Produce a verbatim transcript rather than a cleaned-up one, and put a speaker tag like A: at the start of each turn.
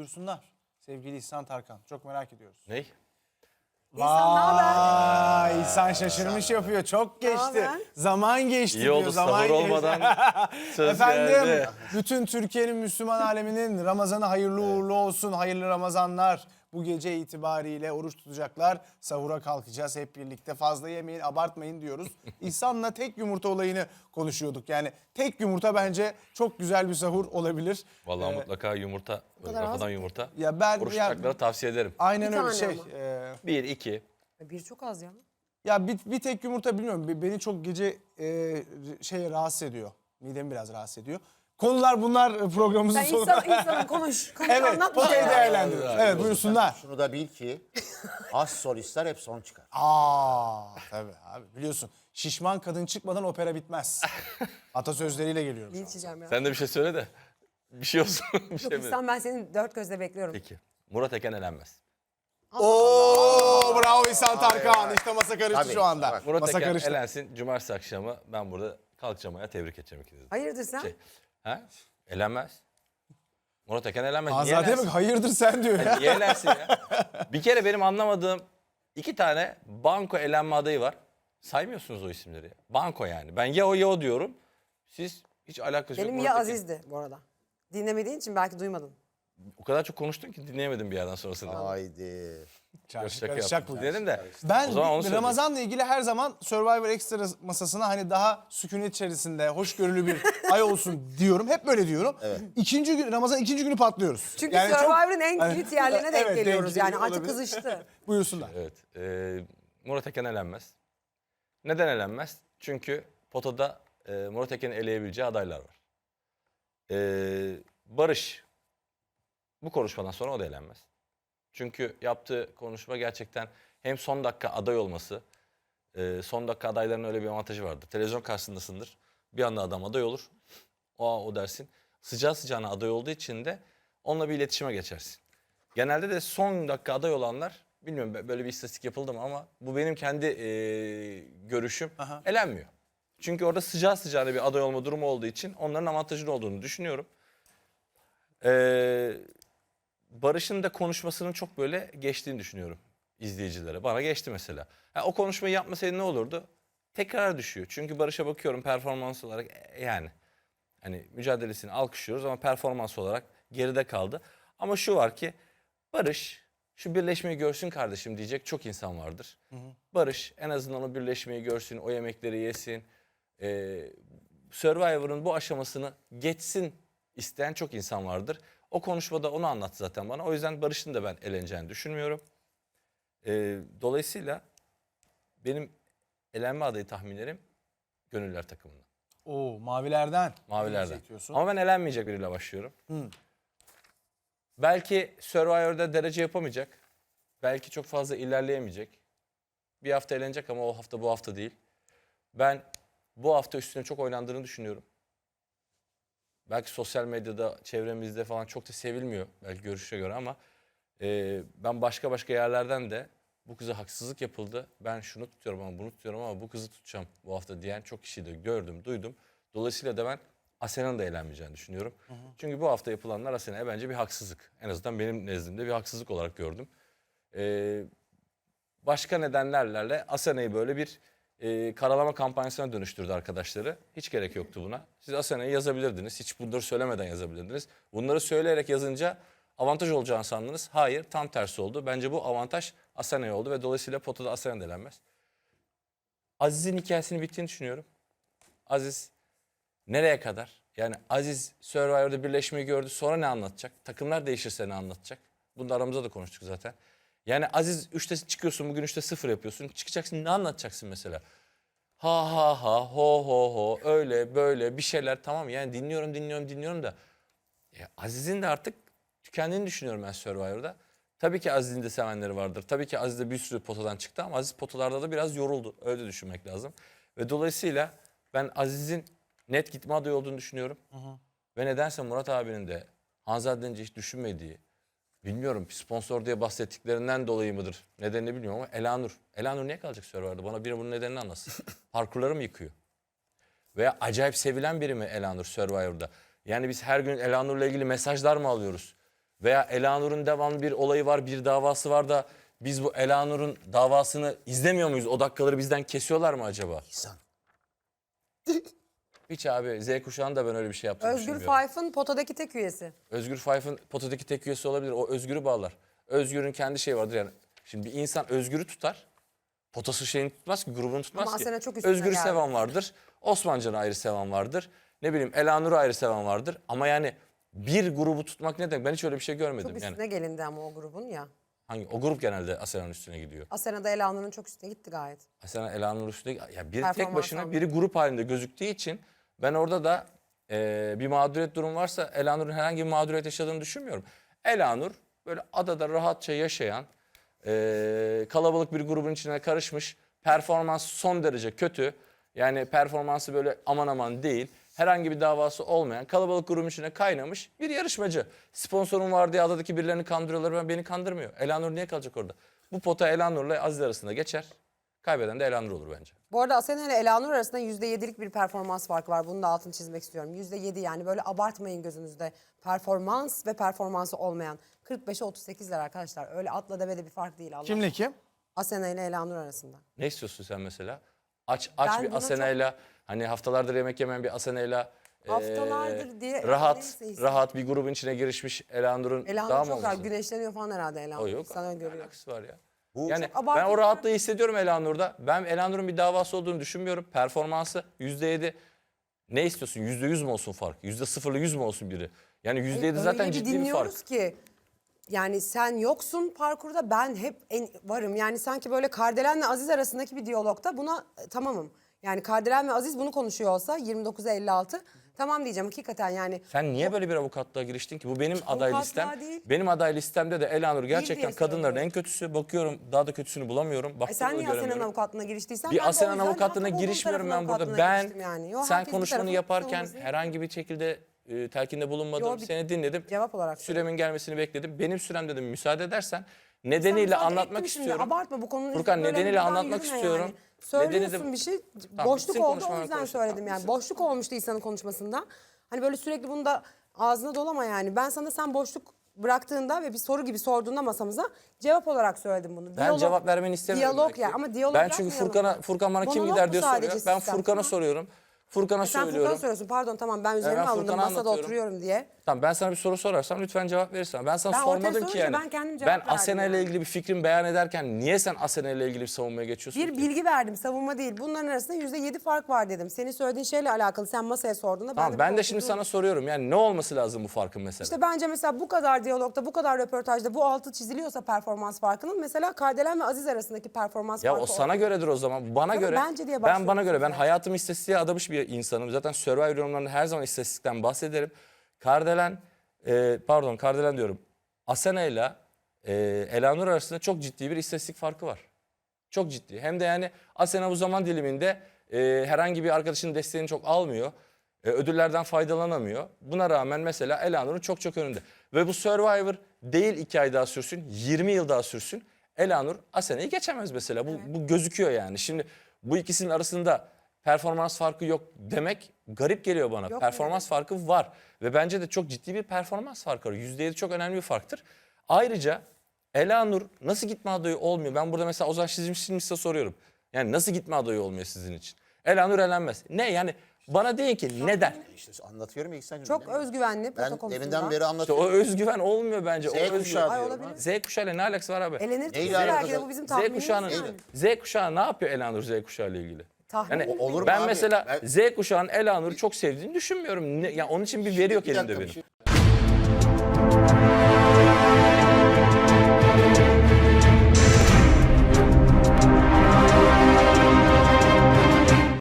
A: Buyursunlar. Sevgili İhsan Tarkan. Çok merak ediyoruz.
B: Ney?
C: İhsan ne haber?
A: Vay, İhsan şaşırmış yapıyor. Çok geçti.
C: haber?
A: Zaman geçti
B: İyi
A: diyor.
B: oldu
A: Zaman
B: sahur
A: geçti.
B: olmadan söz
A: Efendim,
B: geldi.
A: bütün Türkiye'nin Müslüman aleminin Ramazan'ı hayırlı uğurlu olsun. Hayırlı Ramazanlar. Bu gece itibariyle oruç tutacaklar. Sahura kalkacağız hep birlikte. Fazla yemeyin, abartmayın diyoruz. İhsan'la tek yumurta olayını konuşuyorduk. Yani tek yumurta bence çok güzel bir sahur olabilir.
B: Vallahi
A: Ee,
B: mutlaka yumurta, böyle
C: kadar az
B: kafadan
C: mı?
B: yumurta.
A: Ya ben
B: Oruç
A: ya,
B: tutacaklara tavsiye ederim.
A: aynen
C: Bir
A: öyle
C: tane
A: şey.
C: ama.
A: e,
B: Bir, iki.
C: Bir çok az ya.
A: Ya bir, bir tek yumurta bilmiyorum. Be- Beni çok gece e, şey rahatsız ediyor. Midemi biraz rahatsız ediyor. Konular bunlar e, programımızın
C: Sen
A: sonunda.
C: insan, insanın konuş. Konuş
A: Evet,
C: anlat bir
A: potayı
C: şey.
A: değerlendiriyoruz. Evet, buyursunlar.
D: Şunu da bil ki az solistler hep son çıkar.
A: Aa, tabii abi biliyorsun. Şişman kadın çıkmadan opera bitmez. Atasözleriyle geliyorum
C: Ne
A: şu an.
C: içeceğim ya?
B: Sen de bir şey söyle de. Bir şey olsun. bir
C: Yok
B: şey mi?
C: İhsan, ben seni dört gözle bekliyorum.
B: Peki. Murat Eken elenmez.
A: Oo, bravo İhsan Tarkan. İşte masa karıştı
D: Tabii,
A: şu anda.
D: bak.
B: Murat
A: Masa
B: Eken
A: karıştı.
B: elensin. Cumartesi akşamı ben burada kalkacağım ayağa, tebrik edeceğim ikinizi. de.
C: Hayırdır sen?
B: Şey, ha? Elenmez. Murat Eken elenmez. Niye
A: Azade
B: elensin?
A: bak hayırdır sen diyor ya.
B: Niye elensin ya? Bir kere benim anlamadığım iki tane banko elenme adayı var. Saymıyorsunuz o isimleri ya. Banko yani. Ben ya o ya o diyorum. Siz hiç alakası yok.
C: Benim
B: Murat
C: ya
B: Eken.
C: Aziz'di bu arada. Dinlemediğin için belki duymadın.
B: O kadar çok konuştun ki dinleyemedim bir yerden sonrasında.
D: Haydi.
A: Çarşı
B: Şaka
A: karışacak
B: yaptım.
A: bu.
B: Dedim de.
A: Ben
B: o zaman onu söyleyeyim.
A: Ramazan'la ilgili her zaman Survivor Extra masasına hani daha sükunet içerisinde hoşgörülü bir ay olsun diyorum. Hep böyle diyorum. İkinci gün Ramazan ikinci günü patlıyoruz.
C: Çünkü
A: Yani çok-
C: Survivor'ın en
A: Hani-
C: kilit yerlerine denk
A: Evet,
C: geliyoruz
A: denk
C: yani.
A: geliyor,
C: Artık
A: olabilir.
C: kızıştı.
A: Buyursunlar.
B: Evet. e, Murat Eken elenmez. Neden elenmez? Çünkü potada e, Murat Eken'i eleyebileceği adaylar var. E, Barış. Bu konuşmadan sonra o da elenmez. Çünkü yaptığı konuşma gerçekten hem son dakika aday olması, e, son dakika adayların öyle bir avantajı vardır. Televizyon karşısındasındır. Bir anda adam aday olur. O o dersin. Sıcağı sıcağına aday olduğu için de onunla bir iletişime geçersin. Genelde de son dakika aday olanlar, bilmiyorum böyle bir istatistik yapıldı mı ama bu benim kendi e, görüşüm,
A: Aha.
B: elenmiyor. Çünkü orada sıcağı sıcağına bir aday olma durumu olduğu için onların avantajlı olduğunu düşünüyorum. Ee, Barış'ın da konuşmasının çok böyle geçtiğini düşünüyorum izleyicilere. Bana geçti mesela. Ha, o konuşmayı yapmasaydı ne olurdu? Tekrar düşüyor. Çünkü Barış'a bakıyorum performans olarak e, yani hani mücadelesini alkışlıyoruz ama performans olarak geride kaldı. Ama şu var ki Barış şu birleşmeyi görsün kardeşim diyecek çok insan vardır. Barış en azından o birleşmeyi görsün, o yemekleri yesin. Ee, Survivor'ın bu aşamasını geçsin isteyen çok insan vardır. O konuşmada onu anlattı zaten bana. O yüzden Barış'ın da ben eleneceğini düşünmüyorum. Ee, dolayısıyla benim elenme adayı tahminlerim Gönüller takımından.
A: Oo, mavilerden.
B: Mavilerden.
A: Seçiyorsun.
B: Ama ben elenmeyecek biriyle başlıyorum.
A: Hı.
B: Belki Survivor'da derece yapamayacak. Belki çok fazla ilerleyemeyecek. Bir hafta eğlenecek ama o hafta bu hafta değil. Ben bu hafta üstüne çok oynandığını düşünüyorum. Belki sosyal medyada, çevremizde falan çok da sevilmiyor. Belki görüşe göre ama e, ben başka başka yerlerden de bu kıza haksızlık yapıldı. Ben şunu tutuyorum ama bunu tutuyorum ama bu kızı tutacağım bu hafta diyen çok kişiyi de gördüm, duydum. Dolayısıyla da ben Asena'nın da eğlenmeyeceğini düşünüyorum. Hı hı. Çünkü bu hafta yapılanlar Asena'ya bence bir haksızlık. En azından benim nezdimde bir haksızlık olarak gördüm. Ee, başka nedenlerle Asena'yı böyle bir e, karalama kampanyasına dönüştürdü arkadaşları. Hiç gerek yoktu buna. Siz Asena'yı yazabilirdiniz. Hiç bunları söylemeden yazabilirdiniz. Bunları söyleyerek yazınca avantaj olacağını sandınız. Hayır, tam tersi oldu. Bence bu avantaj Asena'ya oldu ve dolayısıyla potada Asena elenmez. Aziz'in hikayesini bittiğini düşünüyorum. Aziz nereye kadar? Yani Aziz Survivor'da birleşmeyi gördü. Sonra ne anlatacak? Takımlar değişirse ne anlatacak? Bunu da aramızda da konuştuk zaten. Yani Aziz üçte çıkıyorsun, bugün üçte sıfır yapıyorsun. Çıkacaksın, ne anlatacaksın mesela? Ha ha ha, ho ho ho, öyle böyle bir şeyler, tamam yani dinliyorum dinliyorum dinliyorum da. Ya Aziz'in de artık tükendiğini düşünüyorum ben Survivor'da. Tabii ki Aziz'in de sevenleri vardır. Tabii ki Aziz de bir sürü potadan çıktı ama Aziz potalarda da biraz yoruldu. Öyle düşünmek lazım. Ve dolayısıyla ben Aziz'in net gitme adayı olduğunu düşünüyorum. Hı hı. Ve nedense Murat abinin de Hanzade'nin hiç düşünmediği, bilmiyorum sponsor diye bahsettiklerinden dolayı mıdır? Nedenini bilmiyorum ama Elanur. Elanur niye kalacak Survivor'da? Bana biri bunun nedenini anlatsın. Parkurları mı yıkıyor? Veya acayip sevilen biri mi Elanur Survivor'da? Yani biz her gün Elanur'la ilgili mesajlar mı alıyoruz? Veya Elanur'un devamlı bir olayı var, bir davası var da biz bu Elanur'un davasını izlemiyor muyuz? O dakikaları bizden kesiyorlar mı acaba?
D: İhsan.
B: Hiç abi Z kuşağında ben öyle bir şey yaptığını
C: Özgür
B: düşünmüyorum.
C: Fayf'ın potadaki tek üyesi.
B: Özgür Fayf'ın potadaki tek üyesi olabilir. O Özgür'ü bağlar. Özgür'ün kendi şeyi vardır yani. Şimdi bir insan Özgür'ü tutar. Potası şeyini tutmaz ki, grubunu tutmaz
C: Ama
B: ki.
C: Asena çok üstüne
B: Özgür'ü
C: geldi.
B: seven vardır. Osmancan'ı ayrı seven vardır. Ne bileyim Elanur'u ayrı seven vardır. Ama yani bir grubu tutmak ne demek? Ben hiç öyle bir şey görmedim.
C: Çok
B: Yani
C: üstüne gelindi ama o grubun ya.
B: hangi o grup genelde Asena'nın üstüne gidiyor.
C: Asena'da Elanur'un çok üstüne gitti gayet.
B: Asena Elanur üstüne ya biri tek
C: Performans
B: başına,
C: aldı.
B: biri grup halinde gözüktüğü için ben orada da e, bir mağduriyet durum varsa Elanur'un herhangi bir mağduriyet yaşadığını düşünmüyorum. Elanur böyle adada rahatça yaşayan, e, kalabalık bir grubun içine karışmış, performans son derece kötü. Yani performansı böyle aman aman değil. Herhangi bir davası olmayan, kalabalık grubun içine kaynamış bir yarışmacı. Sponsorum var diye adadaki birilerini kandırıyorlar, ben beni kandırmıyor. Elanur niye kalacak orada? Bu pota Elanur'la Aziz arasında geçer. Kaybeden de Elanur olur bence.
C: Bu arada Asena ile Elanur arasında yüzde yedilik bir performans farkı var. Bunu da altını çizmek istiyorum. yüzde yedi yani böyle abartmayın gözünüzde. Performans ve performansı olmayan. kırk beşe otuz sekizler arkadaşlar. Öyle atla devede bir fark değil Allah.
A: Kimle kim?
C: Asena ile Elanur arasında.
B: Ne istiyorsun sen mesela? Aç aç
C: Ben
B: bir
C: buna
B: Asena'yla hani haftalardır yemek yemeyen bir Asena'yla eee,
C: Haftalardır diye-
B: rahat
C: neyse işte.
B: rahat bir grubun içine girişmiş Elanur'un
C: Elanur
B: daha mı
C: çok rahat
B: olmasın?
C: güneşleniyor falan herhalde Elanur.
B: O yok.
C: Sana görüyor.
B: Alakası var ya.
D: Bu
B: Yani
C: çok
B: ben
C: abartılı
B: o rahatlığı hissediyorum Elanur'da. Ben Elanur'un bir davası olduğunu düşünmüyorum. Performansı yüzde yedi. Ne istiyorsun? Yüzde yüz mü olsun fark? Yüzde sıfırla yüz mü olsun biri? Yani yüzde yedi zaten
C: Öyle bir
B: ciddi bir fark.
C: dinliyoruz ki yani sen yoksun parkurda ben hep en, varım. Yani sanki böyle Kardelen'le Aziz arasındaki bir diyalogta buna e, tamamım. Yani Kardelen ve Aziz bunu konuşuyor olsa yirmi dokuza elli altı tamam diyeceğim hakikaten yani.
B: Sen niye böyle bir avukatlığa giriştin ki? Bu benim aday
C: Avukatlığa
B: listem.
C: değil.
B: Benim aday listemde de Elanur gerçekten
C: diye
B: kadınların
C: söylüyorum.
B: en kötüsü. Bakıyorum daha da kötüsünü bulamıyorum.
C: E
B: Baktım
C: sen
B: da
C: niye Asena'nın
B: göremiyorum.
C: avukatlığına giriştiysen
B: Bir
C: ben de o
B: Asena'nın
C: yüzden
B: avukatlığına
C: muhatap olduğum
B: girişmiyorum
C: tarafın
B: ben burada.
C: avukatlığına
B: Ben
C: giriştim yani. Yo,
B: sen
C: herkes bir
B: konuşmanı
C: tarafın
B: yaparken
C: savunması.
B: herhangi bir şekilde e, telkinde bulunmadım.
C: Yo, bir
B: Seni dinledim.
C: cevap olarak
B: Süremin gelmesini bekledim. Benim sürem dedim müsaade edersen nedeniyle
C: müsaade
B: anlatmak
C: ettim şimdi.
B: istiyorum.
C: Abartma bu konuyu.
B: Furkan
C: böyle
B: nedeniyle
C: buradan
B: anlatmak
C: yürüme
B: istiyorum.
C: Yani. Söylüyorsun
B: Nedeni de-
C: bir şey.
B: Tamam,
C: boşluk
B: bitsin
C: oldu o
B: konuşmanı
C: yüzden
B: konuşalım.
C: söyledim
B: Tamam,
C: yani.
B: bitsin.
C: Boşluk olmuştu İhsan'ın konuşmasında. Hani böyle sürekli bunu da ağzına dolama yani. Ben sana sen boşluk bıraktığında ve bir soru gibi sorduğunda masamıza cevap olarak söyledim bunu.
B: Ben cevap vermeni istemiyorum.
C: Diyalog
B: belki.
C: ya ama diyalog
B: Ben çünkü
C: yapmayalım.
B: Furkan'a Furkan bana kim
C: Monolog
B: gider
C: bu
B: diye
C: sadece
B: soruyor. Ben
C: sistem,
B: Furkan'a
C: tamam.
B: soruyorum. Furkan'a
C: Sen Furkan'a
B: söylüyorum.
C: soruyorsun pardon tamam ben üzerime
B: ben
C: alındım
B: Furkan'a
C: masada
B: anlatıyorum.
C: oturuyorum diye.
B: Tamam ben sana bir soru sorarsam lütfen cevap verirsen. Ben sana
C: Ben ortaya
B: sormadım ki
C: sorunca
B: yani.
C: ben kendim cevap
B: Ben
C: verdim
B: Asena ile
C: yani.
B: ilgili bir fikrimi beyan ederken niye sen Asena ile ilgili bir savunmaya geçiyorsun
C: Bir
B: ki?
C: bilgi verdim savunma değil. Bunların arasında yüzde yedi fark var dedim. Senin söylediğin şeyle alakalı sen masaya sorduğunda ben
B: Tamam
C: de
B: ben
C: bir
B: de şimdi
C: oturdum.
B: sana soruyorum yani ne olması lazım bu farkın mesela?
C: İşte bence mesela bu kadar diyalogda, bu kadar röportajda bu altı çiziliyorsa performans farkının mesela Kardelen ve Aziz arasındaki performans
B: Ya
C: farkı.
B: o sana göredir o zaman. Bana
C: Tabii
B: göre.
C: bence diye
B: ben bana
C: başlıyorsun
B: göre ben
C: zaten.
B: hayatımı istatistiğe adamış bir insanım. Zaten Survivor yorumlarında her zaman istatistikten bahsederim. Kardelen e, pardon Kardelen diyorum. Asena ile e, Elanur arasında çok ciddi bir istatistik farkı var. Çok ciddi. Hem de yani Asena bu zaman diliminde e, herhangi bir arkadaşının desteğini çok almıyor. E, ödüllerden faydalanamıyor. Buna rağmen mesela Elanur'un çok çok önünde. Ve bu Survivor değil iki ay daha sürsün, yirmi yıl daha sürsün. Elanur Asena'yı geçemez mesela. Bu, bu gözüküyor yani. Şimdi bu ikisinin arasında performans farkı yok demek garip geliyor bana.
C: Yok
B: performans farkı var. Ve bence de çok ciddi bir performans farkı var. yüzde yedi çok önemli bir farktır. Ayrıca Elanur nasıl gitme adayı olmuyor? Ben burada mesela Ozan Şizmiş'e soruyorum. Yani nasıl gitme adayı olmuyor sizin için? Elanur elenmez. Ne yani bana deyin ki neden?
D: İşte anlatıyorum ya İhsan'cığım.
C: Çok
D: dinlemiyor.
C: özgüvenli
D: Ben
C: pota konusunda.
D: deminden beri
B: İşte
D: anlatıyorum.
B: o özgüven olmuyor bence.
D: Z
B: o özgüven.
D: kuşağı
C: Ay,
D: diyorum.
C: olabilir.
D: ha.
B: Z kuşağıyla ne alakası var abi?
C: Elenir
D: Neyle
C: kesin belki de
D: alakası?
C: bu bizim
B: Z
C: tahminimiz
B: kuşağının
C: yani.
B: Z kuşağı ne yapıyor Elanur Z kuşağı ile ilgili?
C: Tahmin
B: Yani
C: mi?
D: olur mu
B: ben
D: abi?
B: mesela
D: Ben-
B: Z kuşağının Elanur'u çok sevdiğini düşünmüyorum. Ne, yani onun için bir veri yok
D: Bir
B: elimde
D: dakika, bir
B: benim.
D: şey-